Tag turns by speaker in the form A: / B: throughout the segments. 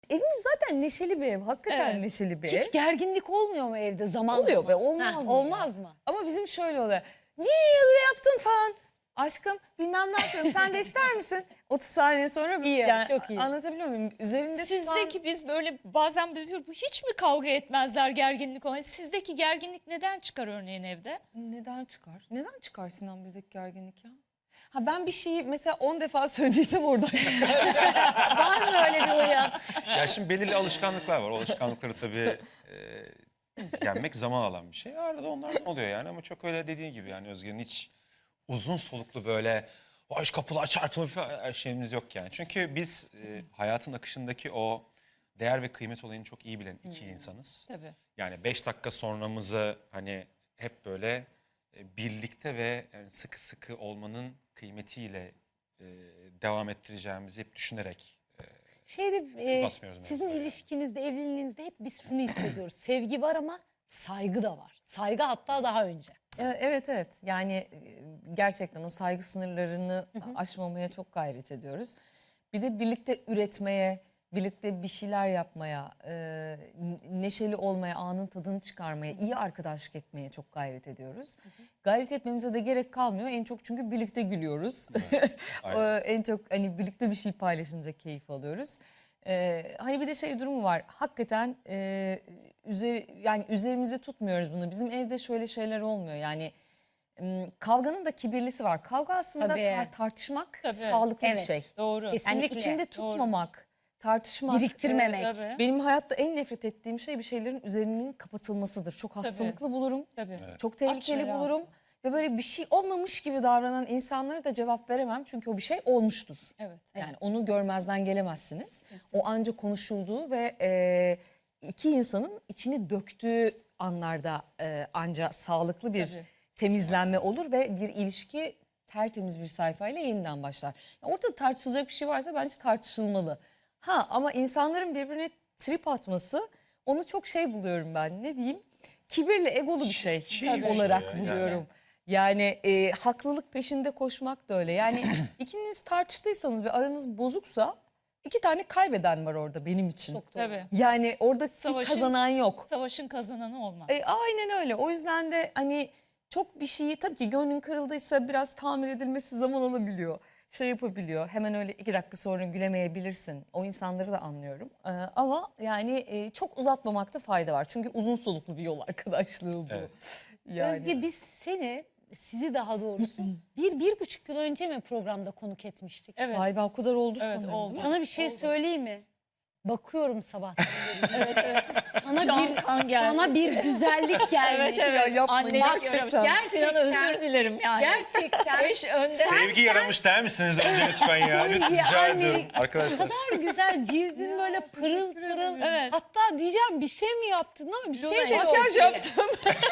A: Evimiz zaten neşeli bir ev. Hakikaten
B: Evet.
A: neşeli bir ev.
C: Hiç gerginlik olmuyor mu evde zaman
A: Oluyor
C: zaman?
A: be, olmaz mı
C: Olmaz
A: ya?
C: mı?
A: Ama bizim şöyle oluyor. Niye öyle yaptın falan. Aşkım bilmem ne yapıyorum. Sen de ister misin? 30 saniye sonra
C: İyi, çok iyi.
A: anlatabiliyor muyum? Üzerinde tutan...
B: Sizdeki biz böyle bazen böyle diyoruz, bu hiç mi kavga etmezler gerginlik olmaz? Sizdeki gerginlik neden çıkar örneğin evde?
A: Neden çıkar? Neden çıkar Sinan bizdeki gerginlik ya? Ha ben bir şeyi mesela 10 defa söylediysem oradan çıkar.
C: Var mı öyle bir uyan?
D: Ya şimdi belirli alışkanlıklar var. O alışkanlıkları tabii yenmek zaman alan bir şey. Arada onlar oluyor yani ama çok öyle dediğin gibi yani Özge'nin hiç uzun soluklu böyle vay kapılar çarpılır falan şeyimiz yok yani. Çünkü biz hayatın akışındaki o değer ve kıymet olayını çok iyi bilen iki insanız.
B: Tabii.
D: Yani 5 dakika sonramızı hani hep böyle birlikte ve yani sıkı sıkı olmanın kıymetiyle devam ettireceğimizi hep düşünerek
C: Şeyde
D: uzatmıyoruz
C: sizin
D: mevzuyu yani.
C: ilişkinizde, evliliğinizde hep biz şunu hissediyoruz. Sevgi var ama saygı da var. Saygı hatta daha önce.
A: Evet yani gerçekten o saygı sınırlarını aşmamaya çok gayret ediyoruz. Bir de birlikte üretmeye, birlikte bir şeyler yapmaya, neşeli olmaya, anın tadını çıkarmaya, iyi arkadaşlık etmeye çok gayret ediyoruz. Gayret etmemize de gerek kalmıyor en çok çünkü birlikte gülüyoruz.
D: Aynen.
A: En çok hani birlikte bir şey paylaşınca keyif alıyoruz. Hani bir de şey durumu var. Hakikaten yani üzerimize tutmuyoruz bunu. Bizim evde şöyle şeyler olmuyor. Yani kavganın da kibirlisi var. Kavga aslında
C: Tabii.
A: tartışmak
B: Tabii.
A: sağlıklı bir
C: Evet.
A: şey.
B: Doğru.
A: Yani
C: Kesinlikle.
A: içinde tutmamak, tartışmak.
C: Biriktirmemek.
B: Tabii.
A: Benim hayatta en nefret ettiğim şey bir şeylerin üzerinin kapatılmasıdır. Çok hastalıklı bulurum.
B: Tabii.
A: Çok tehlikeli
B: Aç ve
A: bulurum. Ve böyle bir şey olmamış gibi davranan insanlara da cevap veremem. Çünkü o bir şey olmuştur.
B: Evet.
A: Yani onu görmezden gelemezsiniz. O anca konuşulduğu ve iki insanın içini döktüğü anlarda anca sağlıklı bir
B: Tabii.
A: temizlenme olur ve bir ilişki tertemiz bir sayfayla yeniden başlar. Yani ortada tartışılacak bir şey varsa bence tartışılmalı. Ha ama insanların birbirine trip atması onu çok şey buluyorum ben. Ne diyeyim? Kibirli, egolu bir şey
D: Çiğ bir
A: olarak
D: şey ya,
A: buluyorum. Yani haklılık peşinde koşmak da öyle. Yani ikiniz tartıştıysanız ve aranız bozuksa iki tane kaybeden var orada benim için.
C: Çok doğru.
B: Tabii.
A: Yani orada bir
B: Savaşın-
A: kazanan yok.
B: Savaşın kazananı olmaz.
A: Aynen öyle. O yüzden de hani çok bir şeyi tabii ki gönlün kırıldıysa biraz tamir edilmesi zaman alabiliyor. Şey yapabiliyor. Hemen öyle 2 dakika sonra gülemeyebilirsin. O insanları da anlıyorum. Ama yani çok uzatmamakta fayda var. Çünkü uzun soluklu bir yol arkadaşlığı bu.
D: Evet.
A: Yani.
C: Özge biz sizi daha doğrusu 1,5 yıl önce mi programda konuk etmiştik?
B: Evet.
A: Vay be o kadar oldu
B: Evet,
A: sanırım.
B: oldu.
C: Sana bir şey söyleyeyim mi? Bakıyorum sabahtan beri.
B: Evet.
C: Sana
B: Can kan gelmiş.
C: sana bir güzellik gelmiş.
A: Ya yapmayın
B: Annelik
A: gerçekten.
B: yaramış. Sinan özür dilerim yani.
C: Gerçekten.
B: Eş önde.
D: Sevgi yaramış der misiniz önce lütfen ya?
C: Sevgi,
D: Rica ediyorum
C: annelik. O
D: arkadaşlar.
C: kadar güzel cildin böyle pırıl pırıl.
B: Evet.
C: Hatta diyeceğim bir şey mi yaptın ama bir şey de yok.
A: Makyaj yaptım.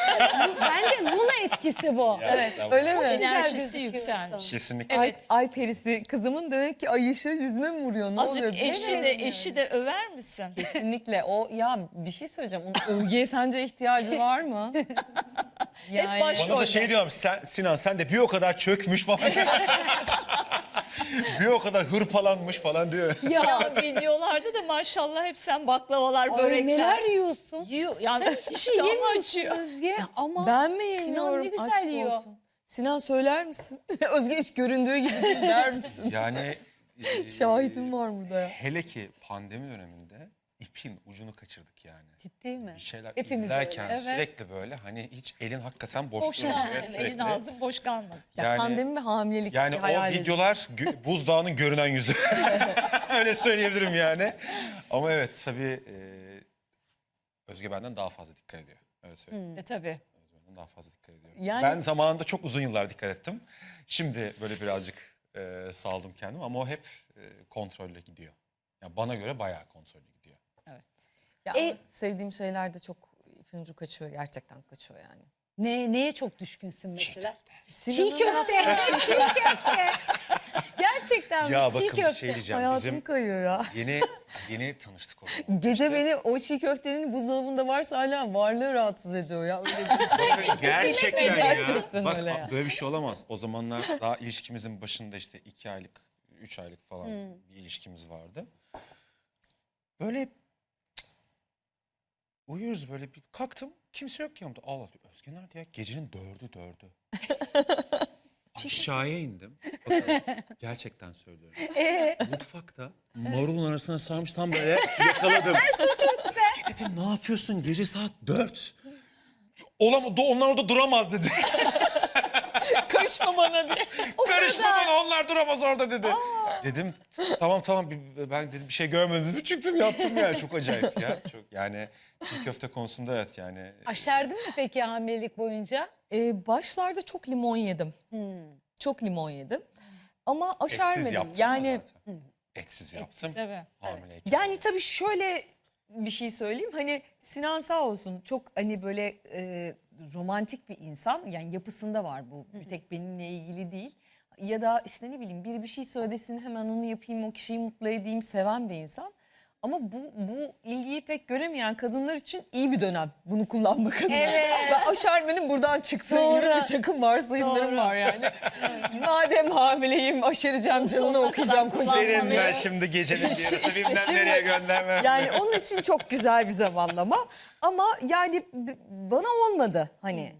C: Bence Luna etkisi bu.
D: Evet.
A: Öyle mi?
B: Enerjisi
C: gözüküyorsun.
B: yükselmiş.
D: Kesinlikle.
B: Evet.
A: Ay perisi kızımın demek ki ay ışığı yüzüme mi vuruyor? Ne oluyor?
B: Azıcık eşi de över misin?
A: Kesinlikle o ya bir şey söyleyeceğim. Onun övgüye sence ihtiyacı var mı? Yani
B: baş-
D: Bana da şey diyorum Sinan sen de bir o kadar çökmüş falan. Bir o kadar hırpalanmış falan diyor.
B: Ya videolarda da maşallah hep sen baklavalar,
C: Ay,
B: börekler.
C: neler yiyorsun?
B: Yiyor. Yani
C: Sen hiçbir şey
B: iştahımı
C: yemiyorsun
B: açıyor.
C: Özge ama
A: ben mi
C: Sinan
A: yeniyorum?
C: ne güzel
A: Aşk
C: yiyor.
A: olsun. Sinan söyler misin? Özge hiç göründüğü gibi değil der misin?
D: Yani
A: Şahidim var burada ya.
D: hele ki pandemi döneminde ipin ucunu kaçırdık yani.
C: Ciddi mi?
D: Bir şeyler
A: Hepimiz
D: izlerken
B: öyle. Evet.
D: sürekli böyle hani hiç elin hakikaten boş
B: Boş
D: durmuyor
B: kalmasın. Elin
D: sürekli.
B: ağzın boş kalmasın.
A: Ya
D: Yani-
A: pandemi ve hamilelik
D: Yani o
A: hayal edin.
D: videolar buzdağının görünen yüzü. Öyle söyleyebilirim yani. Ama evet tabii Özge benden daha fazla dikkat ediyor. Öyle söyleyeyim.
B: Tabii.
D: Özge benden daha fazla dikkat ediyor.
A: Yani-
D: Ben zamanında çok uzun yıllar dikkat ettim. Şimdi böyle birazcık saldım kendimi ama o hep kontrolle gidiyor. Yani bana göre bayağı kontrollü gidiyor.
A: Ya
C: E-
A: ama sevdiğim şeyler de çok ipin ucu kaçıyor. Gerçekten kaçıyor yani.
C: Neye çok düşkünsün mesela? Çiğ
A: Sinan'ın
C: köfte. Çiğ köfte. Gerçekten mi?
D: Ya
C: Çiğ
D: bakın bir
C: köfte.
D: şey diyeceğim.
A: hayatım
D: Bizim
A: kayıyor ya.
D: yeni tanıştık o zaman.
A: Gece beni o çiğ köftenin buzdolabında varsa hala varlığı rahatsız ediyor ya. Öyle bir
D: Gerçekten ya.
A: Gerçekten
D: Bak
A: öyle ya.
D: böyle bir şey olamaz. O zamanlar daha ilişkimizin başında işte 2 aylık, 3 aylık falan bir ilişkimiz vardı. böyle uyuyoruz böyle bir kalktım. Kimse yok ki yanımda. Allah Özge nerede ya? Gecenin 4'ü. Aşağıya indim. Bakın, gerçekten söylüyorum. Mutfakta marulun arasına sarmış tam böyle yakaladım. Özge dedim ne yapıyorsun? Gece saat 4. Olamadı, onlar orada duramaz dedi.
A: Karışma bana diye.
D: Karışma bana, onlar duramaz orada dedi. Dedim tamam ben dedim bir şey görmedim dedim. Çıktım yattım yani, çok acayip ya. Çok yani çiğ köfte konusunda evet yani.
C: Aşerdin mi peki hamilelik boyunca?
A: Başlarda çok limon yedim. Çok limon yedim. Ama
D: Etsiz
A: aşermedim.
D: yaptım
A: Yani
D: zaten. Etsiz yaptım.
B: Tabii.
D: Hamileyken.
A: yani tabii şöyle bir şey söyleyeyim. Hani Sinan sağ olsun çok hani böyle romantik bir insan. Yani yapısında var bu. Bir tek benimle ilgili değil. Ya da işte ne bileyim biri bir şey söylesin hemen onu yapayım, o kişiyi mutlu edeyim, seven bir insan. Ama bu ilgiyi pek göremeyen kadınlar için iyi bir dönem bunu kullanmak adına.
C: Evet.
A: Ve aşermenin buradan çıksın gibi
C: Doğru.
A: bir takım varsayımlarım
C: Doğru.
A: var yani. Madem hamileyim aşereceğim, canını okuyacağım kocamı.
D: Senin ben şimdi gecenin yarısı
A: İşte
D: bilmem
A: şimdi-
D: nereye göndermem.
A: Yani onun için çok güzel bir zamanlama. Ama yani bana olmadı hani.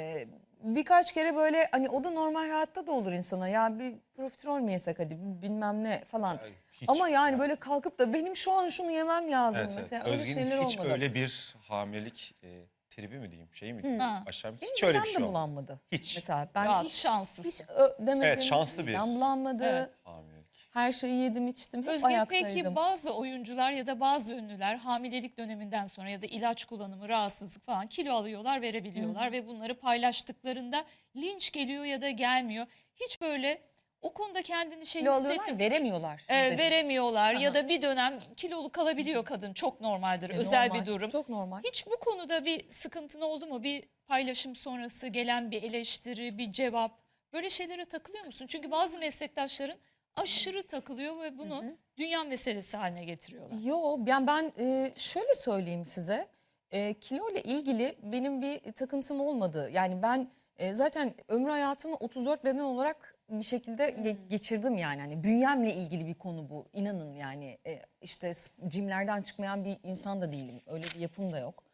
A: Birkaç kere böyle hani o da normal hayatta da olur insana. Ya bir profiterol mü yesek hadi bilmem ne falan.
D: hiç
A: Ama yani
D: yani.
A: böyle kalkıp da benim şu an şunu yemem lazım
D: Evet, evet.
A: mesela. Öyle
D: Özge'nin
A: şeyler
D: hiç
A: olmadı.
D: öyle bir hamilelik tribi mi diyeyim, şey mi diyeyim?
B: Ha.
D: Aşağı hiç
A: Benim
D: öyle bir
A: midem
D: şey
A: de
D: olmadı.
A: bulanmadı.
D: Hiç.
A: Mesela ben
B: Rahat,
A: hiç
B: şanslısın.
A: demedim.
D: Evet, şanslı bir
A: Midem bulanmadı.
B: Evet.
D: Hamilelik.
A: Her şeyi yedim içtim. Hep
B: Özge
A: ayaktaydım.
B: peki bazı oyuncular ya da bazı ünlüler hamilelik döneminden sonra ya da ilaç kullanımı, rahatsızlık falan kilo alıyorlar, verebiliyorlar ve bunları paylaştıklarında linç geliyor ya da gelmiyor. Hiç böyle o konuda kendini şey
A: Kilo alıyorlar,
B: hissettim.
A: veremiyorlar.
B: Veremiyorlar ya
A: Aha.
B: da bir dönem kilolu kalabiliyor kadın, çok normaldir, özel
A: Normal,
B: bir durum.
A: Çok normal.
B: Hiç bu konuda bir sıkıntın oldu mu? Bir paylaşım sonrası gelen bir eleştiri, bir cevap, böyle şeylere takılıyor musun? Çünkü bazı meslektaşların aşırı takılıyor ve bunu dünya meselesi haline getiriyorlar.
A: Yo ben şöyle söyleyeyim size. Kilo ile ilgili benim bir takıntım olmadı. Yani ben zaten ömrü hayatımı 34 beden olarak bir şekilde geçirdim yani. Hani bünyemle ilgili bir konu bu. İnanın yani işte jimlerden çıkmayan bir insan da değilim. Öyle bir yapım da yok.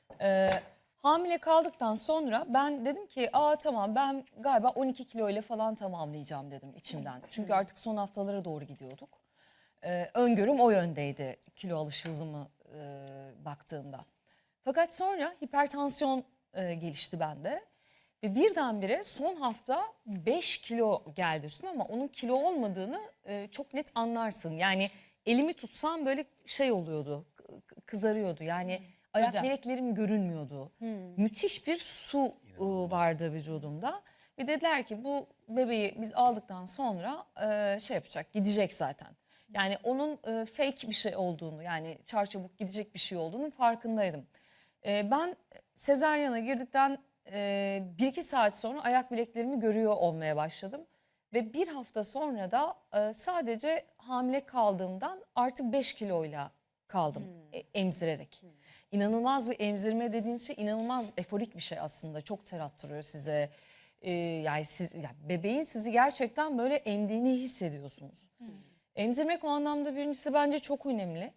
A: Hamile kaldıktan sonra ben dedim ki tamam ben galiba 12 kilo ile falan tamamlayacağım dedim içimden. Çünkü artık son haftalara doğru gidiyorduk. Öngörüm o yöndeydi kilo alış hızımı baktığımda. Fakat sonra hipertansiyon gelişti bende. Ve birdenbire son hafta 5 kilo geldi üstüme ama onun kilo olmadığını çok net anlarsın. Yani elimi tutsam böyle şey oluyordu, kızarıyordu. Yani ayak
B: Ödem.
A: bileklerim görünmüyordu. Müthiş bir su vardı vücudumda. Ve dediler ki bu bebeği biz aldıktan sonra şey yapacak, gidecek zaten. Yani onun fake bir şey olduğunu, yani çarçabuk gidecek bir şey olduğunun farkındaydım. Ben sezaryana girdikten 1-2 saat sonra ayak bileklerimi görüyor olmaya başladım. Ve bir hafta sonra da sadece hamile kaldığımdan artı 5 kiloyla kaldım emzirerek. İnanılmaz bir emzirme dediğiniz şey inanılmaz eforik bir şey aslında. Çok ter attırıyor size. Yani siz bebeğin sizi gerçekten böyle emdiğini hissediyorsunuz. Emzirmek o anlamda birincisi bence çok önemli.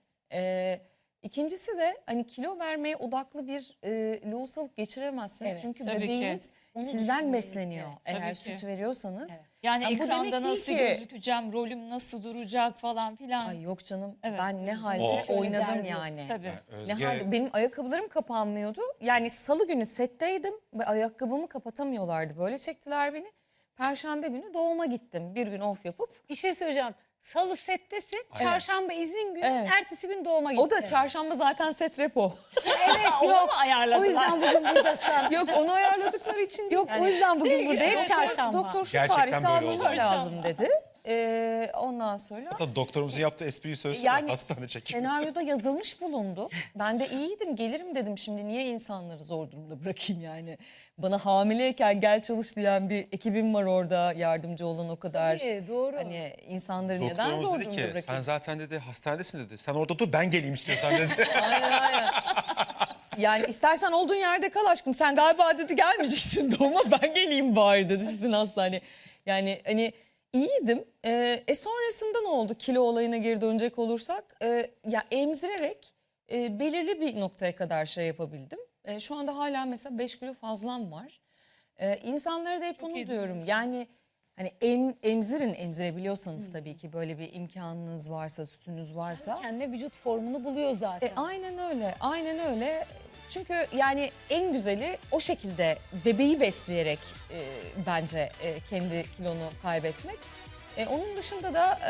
A: İkincisi de hani kilo vermeye odaklı bir lohusalık geçiremezsiniz.
C: Evet,
A: çünkü
B: tabii ki.
A: bebeğiniz
C: Onu
A: sizden
C: düşünüyorum.
A: besleniyor.
C: Evet,
A: Eğer
B: tabii
A: süt
B: ki.
A: veriyorsanız.
C: Evet.
B: Yani
A: Ya bu demek
B: ekranda
A: değil
B: nasıl
A: ki-
B: gözükeceğim, rolüm nasıl duracak falan filan.
A: Ay yok canım
B: Evet.
A: ben ne halde
D: Hiç
C: öyle
A: oynadım
C: derdi yok.
A: yani.
B: Tabii.
D: Yani
A: Ne
D: Özge
A: halde benim ayakkabılarım kapanmıyordu. Yani salı günü setteydim ve ayakkabımı kapatamıyorlardı. Böyle çektiler beni. Perşembe günü doğuma gittim. Bir gün off yapıp.
C: Bir şey söyleyeceğim. Salı settesin, çarşamba izin günü,
A: Evet.
C: ertesi gün doğuma gittin.
A: O da çarşamba zaten set repo.
C: Evet yok. O yüzden bugün buradasın.
A: Yok onu ayarladıkları için değil.
C: Yok o yüzden bugün burada hep çarşamba.
A: Doktor şu
D: Gerçekten
A: tarihte
D: böyle
A: almanız
D: oldu.
A: lazım dedi. Ondan sonra
D: hatta doktorumuzun yaptığı espriyi söylesene,
A: yani
D: hastane çekimi.
A: senaryoda yazılmış bulundu. Ben de iyiydim gelirim dedim şimdi niye insanları zor durumda bırakayım yani. Bana hamileyken gel çalış diyen bir ekibim var orada yardımcı olan o kadar.
C: Doğru.
A: Hani insanları neden
D: Doktorumuz
A: zor
D: dedi
A: durumda
D: ki sen
A: bırakayım?
D: zaten dedi hastanedesin dedi. Sen orada dur ben geleyim istiyorsan dedi.
A: Aynen. Yani istersen olduğun yerde kal aşkım. Sen galiba dedi gelmeyeceksin doğuma ben geleyim bari dedi sizin hastane. Yani hani İyiydim. Sonrasında ne oldu? Kilo olayına geri dönecek olursak, ya emzirerek belirli bir noktaya kadar şey yapabildim. Şu anda hala mesela 5 kilo fazlam var. İnsanlara da hep
B: Çok
A: onu
B: iyi
A: diyorum.
B: durumdasın.
A: Yani hani emzirebiliyorsanız tabii ki, böyle bir imkanınız varsa, sütünüz varsa.
C: Kendi vücut formunu buluyor zaten.
A: Aynen öyle, aynen öyle. Çünkü yani en güzeli o şekilde bebeği besleyerek bence kendi kilonu kaybetmek. Onun dışında da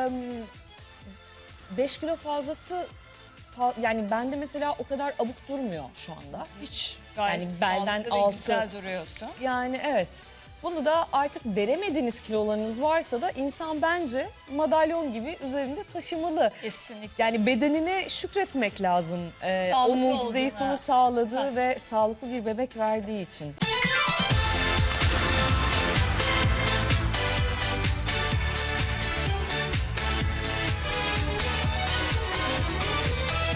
A: 5 kilo fazlası yani bende mesela o kadar abuk durmuyor şu anda.
B: Hiç gayet
A: Yani belden
B: sağlıklı ve
A: altı.
B: güzel duruyorsun.
A: Yani evet. Bunu da artık veremediğiniz kilolarınız varsa da insan bence madalyon gibi üzerinde taşımalı.
B: Kesinlikle.
A: Yani bedenine şükretmek lazım. O
B: Sağlıklı
A: mucizeyi
B: olduğuna.
A: sana sağladığı ve sağlıklı bir bebek verdiği için.